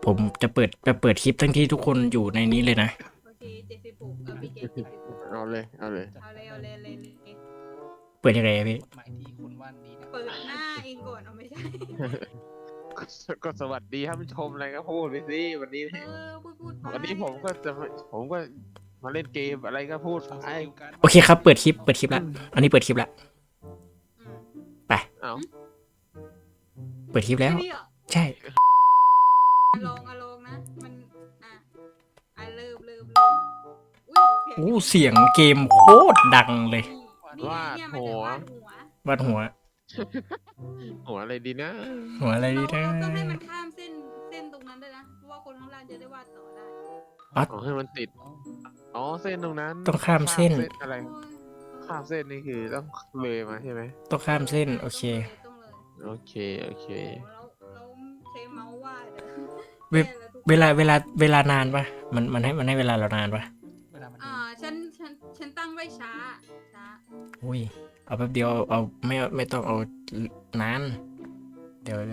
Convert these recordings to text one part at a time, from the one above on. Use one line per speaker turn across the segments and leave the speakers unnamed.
ผมจะเปิดคลิปทั้งที่ทุกคนอยู่ในนี้เลยนะ
โอเค76พี่เกต76
เอาเลย
เอาเลยเลย
เปิดยังไงอะพี่
หมายที่คุณว่านดีนะ
เปิดหน้าเองก่อนเอาไม่ใช่
ก็สวัสดีท่านผู้ชมอะไรก็พูดไปสิวันนี้
พูดไป
วันนี้ผมก็มาเล่นเกมอะไรก็พูด
เขา
ไป
สกิลกัน
โอเคครับเปิดคลิปละอันนี้เปิดคลิปละ
อืม
เอา
เปิดคลิปแล้ว
ไม่ได้เหรอ
ใช่
ลองนะมันเริ่มอุ้ย
โอ้เสียงเกมโคตรดังเลย
นี่เนี่ยมันจะวาดหัว
วาดหัว
หัวอะไรดีนะ
หัวอะไรดี
เรา
นะ
ต้องให้มันข้ามเส้นตรงนั้นด้วยนะเพราะว่าคนข้างล่างจะได้วาดต่อได้
เอาให้มันติด
อ๋อ
อ๋อเส้นตรงนั้น
ต้องข้ามเส้น
อะไร ข้ามเส้นนี่คือต้องเลยมาใช่ไหม
ต้องข้ามเส้น โอเค
ต้องเลย
โอเค โอเค
เราใช้เมาส์วาด
เว็บ เวลานานปะมันให้เวลาเรานานปะ
เวลามัน
ฉันตั้งไว้ช้า
อุ้ยเอาแป๊บเดียวเอาไม่ต้องเอานานเดี๋ยว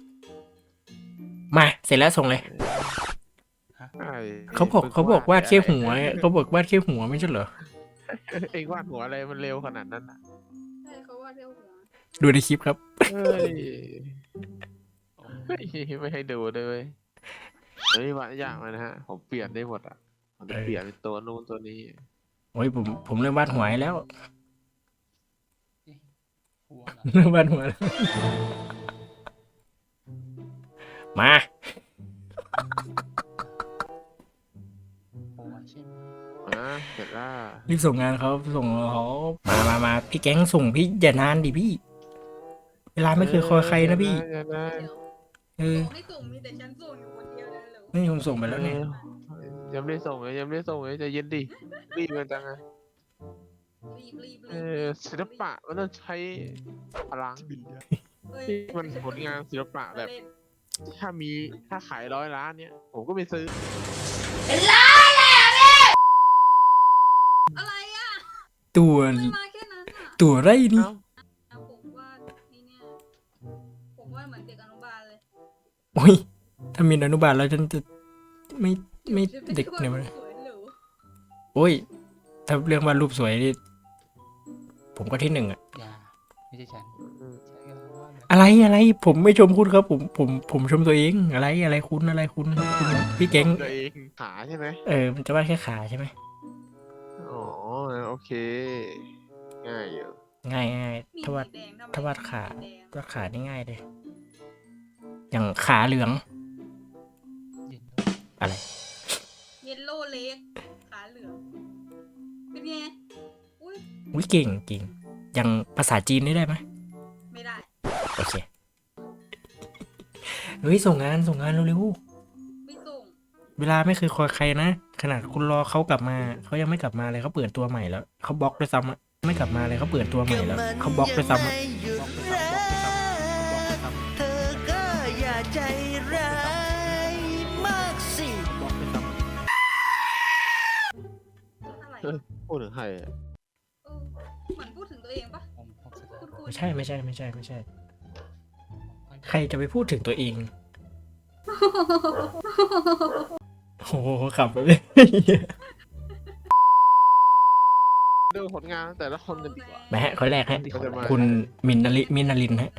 มาเสร็จแล้วส่งเลย เขาบอกวาดแค่หัวเขาบอกวาดแค่หัวไม่ใช่เหรอ
เองวาดหัวอะไรมันเร็วขนาดนั้นอ่ะ
ใช่เขาวาดเร็วหัว
ดูในคลิปครับ
เฮ้ยไม่ให้ดูด้วยเวยเฮ้ยวาดยากเลยนะฮะผมเปลี่ยนได้หมดอ่ะผมจะเปลี่ยนเป็นตัวนู้นตัวนี้
โอ้ยผมเริ่มวาดหัวให้แล้ว
หัวเหรอ
เริ่มวาดหัวแล้วมา
หัวใช่ไหม
เสร็จแล้ว
รีบส่งงานเขาส่งเขามาพี่แก๊งส่งพี่อย่านานดิพี่ เวลาไม่เคยคอยใครนะพี่
เดี๋ยวนะ
เดี๋ยว
เออ
ไม่ส่งมีแต่ฉันส่งอยู่คนเดียวเลยเหรอ
นี่ผมส่งไปแล้วเนี่ย
ยังไม่ได้ส่งเลยยังไม่ได้ส่งเลยใจะเย็นดิรีบกันจังอะ
รีบ
ศิลปะมันต้องใช้พลัง
เอ้ย
ที่มันผลงานศิลปะแบบ
เล่น
ถ้าขาย100 ล้านเนี่ยผมก็ไปซื้อ
อะไรอ่ะ
ตัว
มันมาแค่นั้นอ่ะ
ตัวไรนี่
เอ้า
ผมว่านี่เนี่ยผมว่าเหมือนเด็กอนุบาลเลย
โอ้ยถ้ามีอนุบาลแล้วฉันจะไม่เด็กเนี่ยมัน
สวยหรู
โอ้ยถ้าเรื่องวาดรูปสวยนี่ผมก็ที่หนึ่งอะ
อย่าไม่ใช่ฉันใช่กันว่าแบบ
อะไรผมไม่ชมคุณครับผมชมตัวเองอะไรคุณพี่แก๊ง
ตัวเองขาใช่ไหม
มันจะวาดแค่ขาใช่ไหม
อ๋อโอเค ง่ายอยู่
ง่าย
มี
ถ้าวาด
สีแดงทำไม
ถ้าวาดขา
สีแดง
วาดขานี่ง่ายเลย อย่างขาเหลือง
เย็น
อะไร
เยลโล่เล็กขาเหลืองเป็นไงอุ้ย
อุ้ยเก่งอย่างภาษาจีนนี่ได้ไหม
ไม่ได้
โอเคเฮ้ยส่งงานเร็ว
ไม่ส่ง
ๆเวลาไม่เคยคอยใครนะขนาดคุณรอเขากลับมาเขายังไม่กลับมาเลยเขาเปิดตัวใหม่แล้วเขาบล็อกด้วยซ้ำอะไม่กลับมาเลยเขาเปิดตัวใหม่แล้วเขาบล็อกด้วยซ้ำอะ
เธอก็อย่าใจร้ายมากสิ
อะไร
พูดถึงใครอะ
เออเหมือนพูดถึงตัวเองปะ
ผมสตาร์
คุณ
ไม่ใช่ใครจะไปพูดถึงตัวเองโอ้โหขับไปเลย
ดูผลงานแต่ละคนกันดีกว่า
มาฮะคนแรกฮะ
เขาจะมา
คุณมินาลินฮะ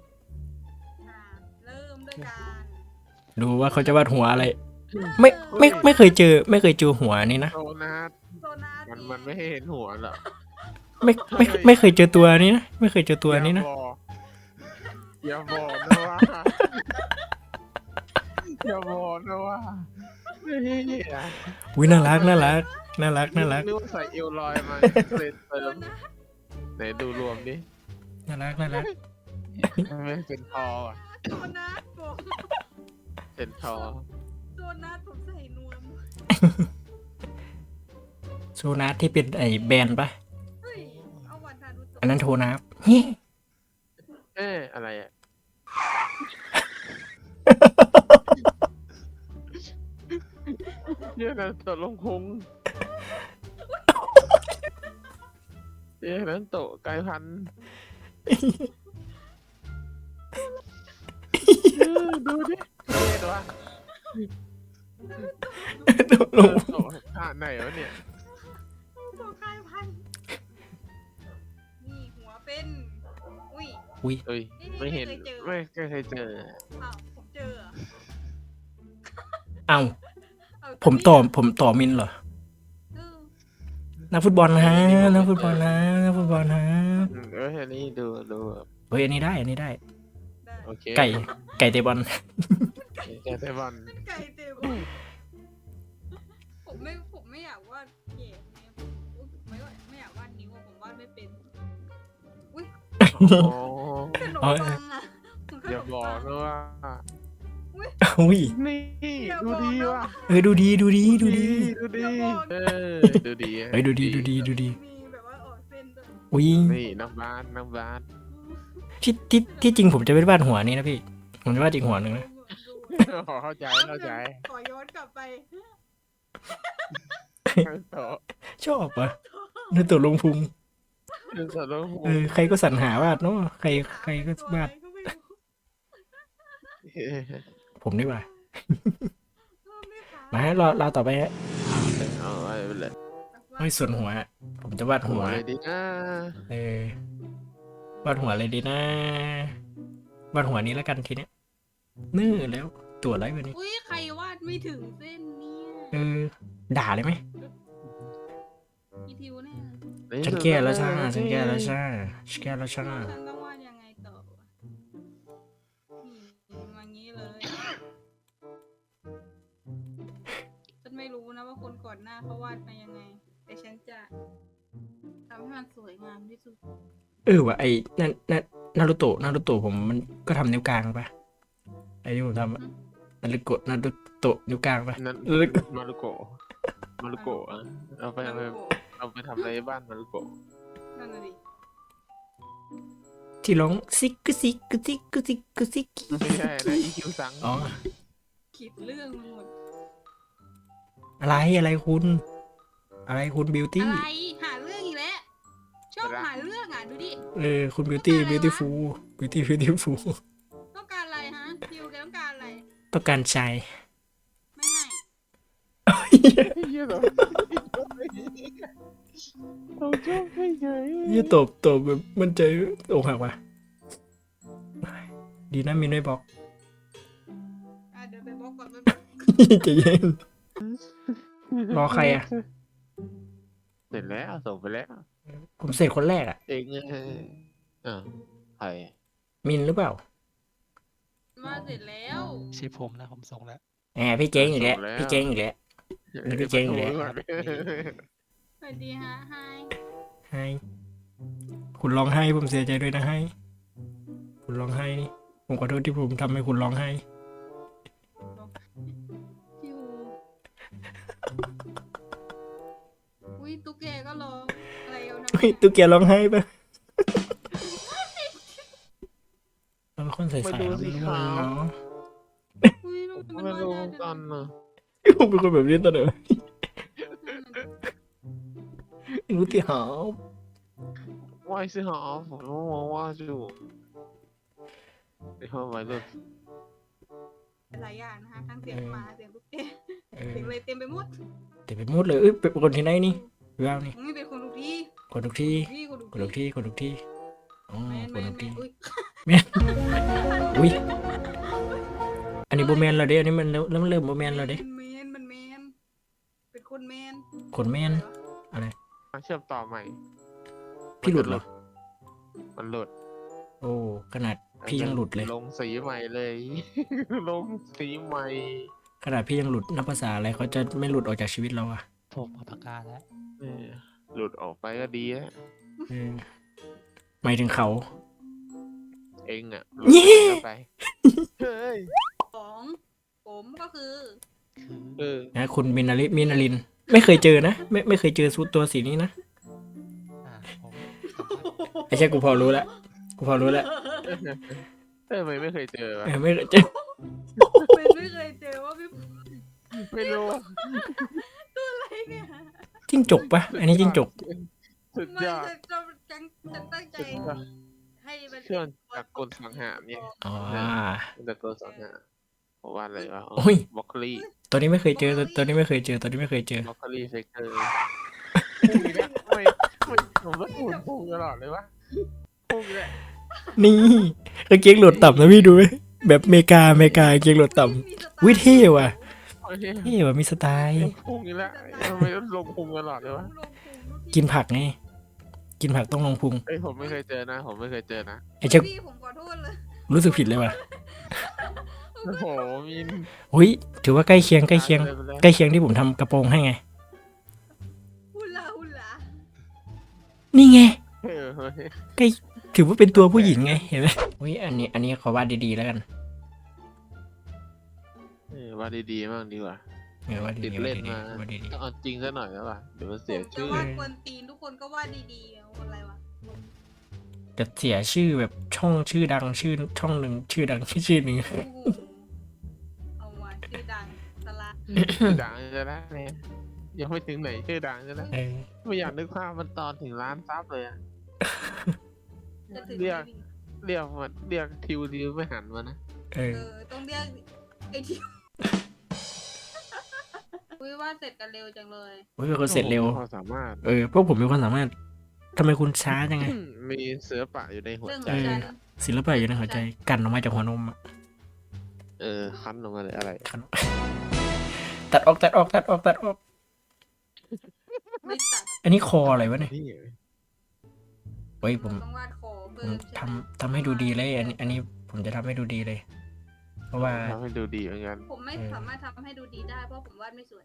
เริ่มด้วยการ
ดูว่าเขาจะวาดหัวอะไร ไม่เคยเจอหัวนี่นะ
โซนัส
โซนา
มันไม่ให้เห็นหัวหรอก
ไม่เคยเจอตัวนี้นะไม่เคยเจอตัวนี้นะ
อย่าบอกนะว่าอย่าบอกนะว่าเฮ้ย
อุ้ยน่ารัก
นึกว่าใส่เอวลอยมาเลยเติมไหนดูรวมดิ
น่ารัก
ไม่เป็นทออ่ะ
โซนาผม
เป็นทอ
โซนาผมใส่นวม
โซนาที่เป็นไอ้แบรนด์ปะ
เฮ้ยเอาวันทานุโตะ
อันนั้นโทนาฟเฮ้ย
อะไรอ่ะเนี่ยนั้นโตะลงคงเนี่ยนั้นโตะกลายพันธุ์ดูดิเท่ดวะ
ลง
โอ้ท่าไหนวะเนี่ย
ตัวกลายพันธุ์นี่หัวเป็น อุ้ย
อุ้ย
เอ้ยไม่เห็นไม่เคยเจอ
อ้าวผมเจอเหรอ
เอ้า
เอา
ผมต่อมินเหรอ
เออ
นักฟุตบอลนะนักฟุตบอลนะนักฟุตบอลนะ
อันนี้ดูแบบ
เฮ้ยอันนี้ได้
ได้
โอเค
ไก่เตะบอล
แกเตะบอล
เป็นไก่เต็มผมไม่อยากวาดเก๋เนี่ยผมไม่อยากวาดนิ้วอะผมวาดไม่เป็น อุ้ย
โอ้
ขนมปังอะผมข
อย่าน
ม
บอก
ปัง
นะว่า
อุ้ย
นี่
อย่า
ดู
บอก
ดี
นะ
ว่ะ
ดูดีดูดีดูดี
ดูดีเออดูดี
เฮ้ยดูดีดูดีดูดี
มีแบบว่าออกเส้นด้วย
อุ้ย
นี่น้ำบาน
ที่จริงผมจะไม่วาดหัวนี้นะพี่ ผมจะวาดอีกหัวหนึ่งนะ
เข้าใจ
ขอย้อนกลับไป
ต่อ
ชอบปะนึกตัวลงพุง
ต่อแล้ว
ใครก็สรรหาวาดเนาะใครก็วาด
ก็ไม่รู้
ผมดีกว่า
ไม่ขาย
มาฮะรอต่อไปฮะ
เอาไว้เลย
เฮ้ยส่วนหัวอะผมจะวาดหัว
เลยดีนะ
วาดหัวอะไรดีนะวาดหัวนี้แล้วกันทีเนี้ยนื่อแล้วตัวอะไรแบบนี้
อุ้ยใครวาดไม่ถึงเส้นเนี่ย
ด่าเลยไหม
อีทิวแน่
ฉันแก้แล้วใช่ฉันแก้แล้วใช่ฉันแก้แล้วใช่
ฉันต้องวาดยังไงต่อวะนี่มางี้เลย ฉันไม่รู้นะว่าคนก่อนหน้าเขาวาดมายังไง แต่ฉันจะทำให้มันสวยงามที่สุด
ว่ะไอ้นั่นนารูโตะผมมันก็ทำนิ้วกลางปะไอ้ที่ผมทำอะนารูโตะนิ้วกลางปะ
นั่นมารุโกะเอาไปทำอะไรบ้านมารุโกะ
นั่นน่ะดิ
ที่ร้องซิกกซิกกซิกกซิกกซิก
ไม่ใช่นะอีคิวซัง
อ๋อ
คิดเรื่องมันหมด
อะไรคุณบิวตี้
อะไรหาเรื่องอีกแล้วชอบหาเรื่องอ่ะดูดิ
คุณบิวตี้บิวตี้ฟู
ต้องการอะไรฮะทิวแกต้องการอะไร
ต้องการใจ
ไม่ให้
เยอะเหรอเราชอบให้เฉย
ยี่ตบแบบมันใจอกหักว่ะดีนะมินไม่บอก
เดี๋ยวไปบล็อกก่อนไป
ใจเย็น รอใครอะ
เสร็จแล้วส่งไปแล้ว
ผมเสร็จคนแรกอะ
เองใคร
มินหรือเปล่า
มาเสร็จแล้ว
ใช่ผมนะผมส่งแล้ว
พี่เจ๊งอีกแล้วพี่เจ๊งอีกแล้ว แล้วพี่เจ๊งอยู่แล้ว
สวัสดีฮะไฮ
ให้คุณร้องไห้ผมเสียใจด้วยนะให้คุณร้องไห้นี่ผมขอโทษที่ผมทำให้คุณร้องไห้
ทิวอุ้ยตุ๊กแกก็ร้องอะไรเอานะ
เฮ้ยตุ๊กแกร้องไห้ปะเราเป็นคนใส่ๆเราไม่รู้เลยเนาะ
อุ้ยลูกมัน
ไม่
ว่า
รู้
ได้
ตอนน่ะ
ผมเป็นคนแบบนี้ตอนไหนรู้ที่หา
ว่าสิหาผมว่าจู่ไอ้ห้องไว้เลย
หลายอย่างนะคะทั้งเสียงหมาเสียงตุ๊กแกเสียงอะไรเต็มไปหมด
แต่ไปมุดเลยเป็นคนที่ไหนนี่ว้าวนี่
ไม่เป็นคนทุกที่
คนทุกที่
พี่คนทุก
คนทุกที่คนทุกที่อ๋อ
แมน
ค
แม
น
น
ทุก
แม
ที่
นอุ้ย
อุ้ยอันนี้โบแมนเราเด้อันนี้มันเริ่มโบแมนเราเด้
มันแมนเป็นคนแมน
คนแมนอะไร
เชื่อมต่อใหม่
พี่หลุดเหรอ
มันหลุด
โอ้ขนาดพี่ยังหลุดเลย
ลงสีใหม่เลย ลงสีใหม่
ขนาดพี่ยังหลุดนับภาษาอะไรเขาจะไม่หลุดออกจากชีวิตเราอะ
ผมเอาปากกาแล้ว
หลุดออกไปก็ดีแล้ว
เออหมายถึงเขา
เองอ่ะ
เย้
หลุดไปเฮ้ย
ของผมก็คือ
นะคุณมินาลินไม่เคยเจอนะไม่เคยเจอตัวสีนี้นะ
ผม
ไอ้ใช่กูพอรู้แล้ว
ไม่เคยเจอวะ
ไม่เคยเจอ
ไม่เคยเจอว่าพี่
ไม่รู้
อะไรเนี่ย
จิ้งจกปะอันนี้จิ้งจก
สุด
ไม่
ยอด
จะตั้งใจให้มัน
เครื่องจักรกลสังหารเนี่ย
อ๋อ
จักรกลสังหารผผมวาดอะไรวะ
โอ้ย
บล็อกโคลี่
ตัวนี้ไม่เคยเจอตัวนี้ไม่เคยเจอตัวนี้ไม่เคยเจอ
บล็อกโคลี่เฟกเตอร์พุ่งอีกแล้วไม่ผมก็พูดพุ่งตลอดเลยวะพุ่งอีกแล้ว
นี่กางเกงโหลดต่ำนะพี่ดูไหมแบบเมกากางเกงโหลดต่ำวิเท่ว่ะ
โอเค
เท่ว่ะมีสไตล์
พุ่งอีกแล้วทำไมต้องลงพุงตลอดเลยวะ
กินผักไงกินผักต้องลงพุง
เอ้ยผมไม่เคยเจอนะ ผมไม่เคยเจอนะ
ไอ้เจ้า
พี่ผมขอโทษเลย
รู้สึกผิดเลยว่ะ
โอ้โหมิน
อุ้ยถือว่าใกล้เคียงใกล้เคียง
ไปเลย
ใกล้เคียงที่ผมทำกระโปรงให้ไง
ฮุลาฮุลา
นี่ไง
เออเฮ้ย
ใกล้ถือว่าเป็นตัวผู้หญิงไงเห็นไหมอุ้ยอันนี้ขอวาดดีๆแล้วกัน
วาดดีๆบ้างดีกว่า
วาด
ติ
ดี
ด
ๆ
เล่
วาด
น
ดี
มา
ๆวาดดี
ต้องเอาจริงซะหน่อยแล้วป่ะเดี๋ยวมัน
ผ
เสีย
มจะ
ชื่อ
วาดกวนตีนทุกคนก็วาดดีๆเอาอะไรวะ
ๆจะเสียชื่อแบบช่องชื่อดังชื่อช่องหนึ่งชื่อดังชื่อหนึ่ง
โอ้โหเอามาชื่อดังสละ
ชื่อดังจะได้เนี่ยยังไม่ถึงไหนชื่อดังจะได้
เออ
ไม่อยากนึกภาพมันตอนถึงล้านซับเลยอะ
จะถึง
เรียก
ไม่มี
เรียกมันเรียกทิวไม่หันมานะ
เอ
เอ
อ
อต้องเรียกไอ้ที่อุ้ยวาดเสร็จกันเร็วจังเลย
โอ้ยเป็นคนเสร็จเร็ว
พอสามารถ
เออพวกผมมีความสามารถทำไมคุณช้าจังไง
มีศิลปะอยู่ในหัว
เรื่องข
ใจ
องฉัน
ศิลปะอยู่ในหัวใจกันออกมาจากหัวนมอะ
คั้นออกมาเลยอะไร
กันตัดออก
ไม่ตัด
อันนี้คออะไรวะเนี่ย
นี่
เฮ้ยผม
ต้องวาดคอ
ผ
เพิ่
ม
มใช่ไหม
ทำให้ดูดีเลยอันนี้ผมจะทำให้ดูดีเลย เพราะว่า
ทำให้ดูดีเหมือนกัน
ผมไม่สามารถทำให้ดูดีได้เพราะผมวาดไม่สวย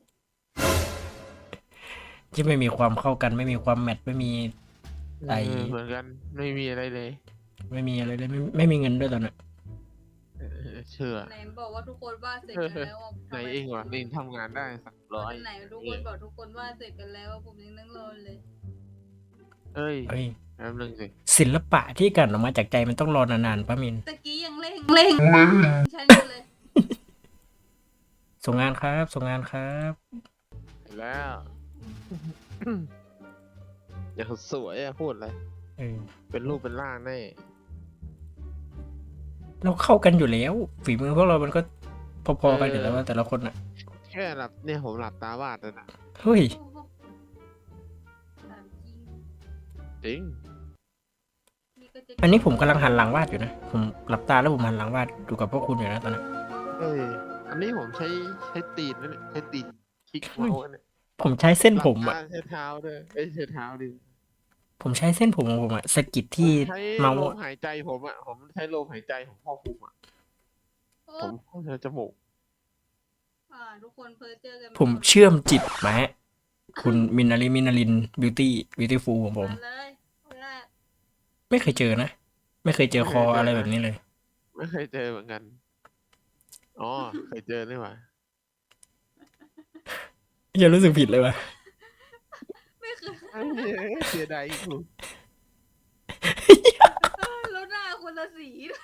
ที่ไม่มีความเข้ากันไม่มีความแมทไม่มี ไอ้
เหมือนกันไม่มีอะไรเลย
ไม่มีอะไรเลยไม่มีเงินด้วยตอนนั้น
เชื่อ
ไหนบอกว่าทุกคนวาดเสร็จกันแล้วอะ
ไหนเองวะนี่ทำงานได้300
ไหนทุกคนบอกทุกคนวาดเสร็จกันแล้วผมยังนั่งรอเลย
เอ้ย
เฮ้ย
แป๊บนึงสิ
ศิลปะที่กันออกมาจากใจมันต้องรอนานๆป้ามิน
ตะกี้ยังเร่งฉันอยู่เลย
ส่งงานครับส่งงานครับ
เห็นแล้ว อย่างสวยอะพูดเลย
เออ
เป็นรูปเป็นร่างแน่
เราเข้ากันอยู่แล้ว ฝีมือพวกเรามันก็พอๆกันอยู่แล้วว่าแต่ละคนอ่ะ
แค่หลับเนี่ยผมหลับตาวาดเลยนะ
เฮ้ย
ถามจริง
จริง
นี่ก็จะ
อันนี้ผมกำลังหันหลังวาดอยู่นะผมหลับตาแล้วผมหันหลังวาดอยู่กับพวกคุณอยู่นะตอนนั้น
เอ้ยอันนี้ผมใช้ตีนนะเนี่ยใช้ตีนคลิกเมาส์เนี่ย
ผมใช้เส้นผม
หลั
อ่ะ
บตาใช้เท้าด้วยเอ้ยใช้เท้าดิ
ผมใช้เส้นผมของผมอ่ะสะกิดที่
ใช้
เมาส์
ลม
อะ
หายใจผมอ่ะผมใช้ลมหายใจของพ่อภูมิอ่ะ
โอ้
ผมใช้จมูก
ทุกคนเพ้อเจอกัน
ผมเชื่อมจิตมาฮะคุณมินาลินบิวตี้ฟูลของผม
มาเลยคนแรก
ไม่เคยเจอนะ ไม่เคยเจอคออะไรแบบนี้เลย
ไม่เคยเจอเหมือนกันอ๋อเคยเจอนี่หว่า
อย่ารู้สึกผิดเลยว่ะ
ไม่เคย
เอ้ยเสียดายอีกคุณ
แล้วหน้าคนละสีด้วย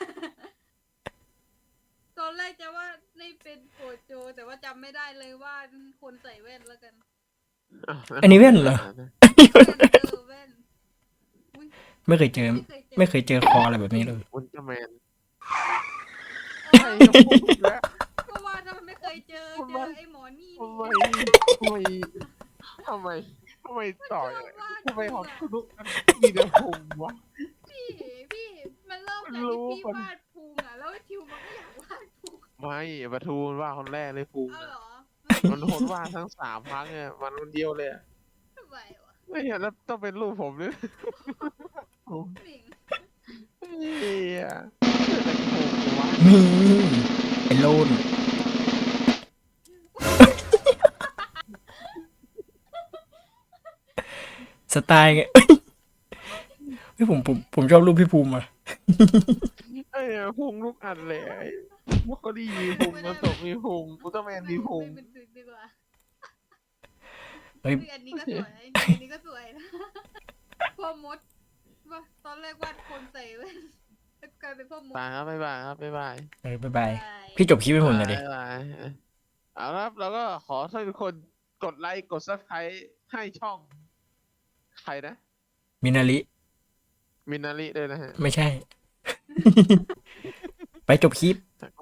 ตอนแรกจะว่านี่เป็นโกโจ แต่ว่าจำไม่ได้เลยว่าคนใส่แว่นแล้วกัน
อันนี้แว่นเหรอ
แว่นอุ๊ย
ไม่เคยเจอ
ไม่เคยเจอ
ไม่เคยเจอคออะไรแบบนี้เลย
อุลตร้าแมน
เอ
ไอ้
อ
พูดแล้ว
ก็ว่าทำไมไม่เคยเจอไอ้หมอนี่
ทำไมทำไมทำไมต่อยทำไมฮอตทุกอันมีแต่พุงวะ
พี่มันเริ่มจาก
รู้
ที่พี่
มัน
วาดพุงอ่ะแล้วทิวมันก็อยากวาดพุง
ไม่ปะทูมันว่าคนแรกเลยพุง
เอาเหรอ
มันคนว่าทั้ง3 ครั้งเนี่ยมันคนเดียวเลยอะ
ทำไมวะ
ไม่เห็นแล้วต้องเป็นรูปผมด้วย
สิ่ง
เฮียแต่พุงวะ
นี่ไอโลนสไตล์ไงเฮ้ยผมชอบรูปพี่ภูมิอ่ะ
ไอ้เนี่ยพุงลูกอันเลยไอ้พวกเขาดีมีพุงมาตกมีพุงอุลตร้าแมนมีพุง
ไม่เป็นสิ่งดีกว่า
เฮ้ย
อันนี้ก็สวยอันนี้ก็สวยนะพ่อมดว่าตอนแรกวาดคนใส่แว่นแล้วกลายเป็นพ่อมด
บายครับบ๊ายบายครับบ๊ายบาย
บ๊ายบาย พี่จบคลิปให้ผมหน่อยดิ
บ๊ายบายเอาละครับแล้วก็ขอให้ทุกคนกดไลค์กด subscribe ให้ช่อง ใครนะ
มินาริ
มินาริด้วยนะฮะ
ไม่ใช่ ไปจบคลิป